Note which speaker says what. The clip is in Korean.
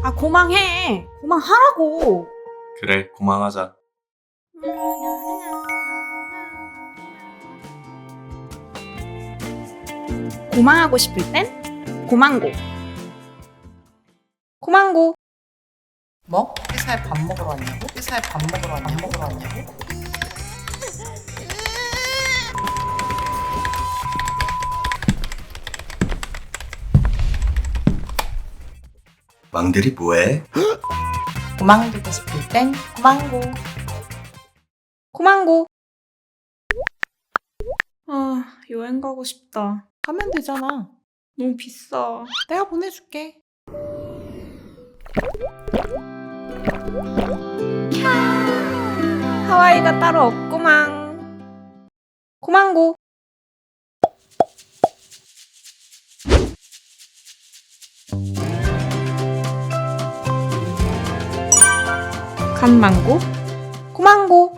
Speaker 1: 아, 고망해. 고망하라고.
Speaker 2: 그래, 고만하자.
Speaker 1: 고망하고 싶을 땐 고망고. 고망고.
Speaker 3: 뭐? 회사에 밥 먹으러 왔냐고? 회사에 밥 먹으러 왔냐고?
Speaker 2: 망들이 뭐해?
Speaker 3: 고망되고 싶을 땐 고망고.
Speaker 1: 고망고. 아, 여행 가고 싶다.
Speaker 3: 가면 되잖아.
Speaker 1: 너무 비싸.
Speaker 3: 내가 보내줄게.
Speaker 1: 하와이가 따로 없구망. 고망고. 간망고. 고망고.